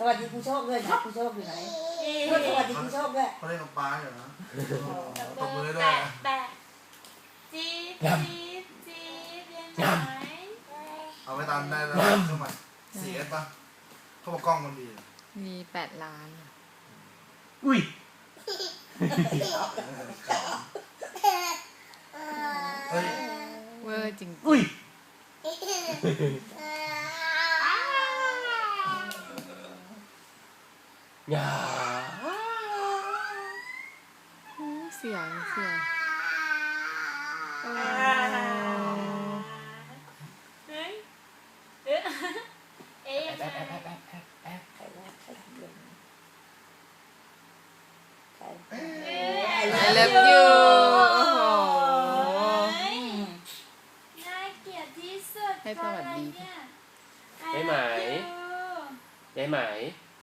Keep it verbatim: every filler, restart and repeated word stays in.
วัสดีผู้โชคด้วยนะผู้โชคอยู่ไหนสวัสดีผู้โชคด้วยเขาเล่นกับป้าอยู่นะตบมือด้วแปะยแปะจี๊ดจี๊ดจี๊ดยังไงเอาไปตามได้แล้วเครื่องใหม่เสียป่ะเขาบอกกล้องมันดีมีแปดล้านอุ้ยเฮ้ยเวอร์จริงอุ้ยอย่าเสียงเสียงโอ้เฮ้ยเอ๊ะเอ๊ะแอบแอบแอบแอบแอบแอบใครนะใครทำเรื่องนี้ใคร I love you โอ้โหน่าเกลียดที่สุดให้สวัสดีเนี่ยได้ไหมได้ไหม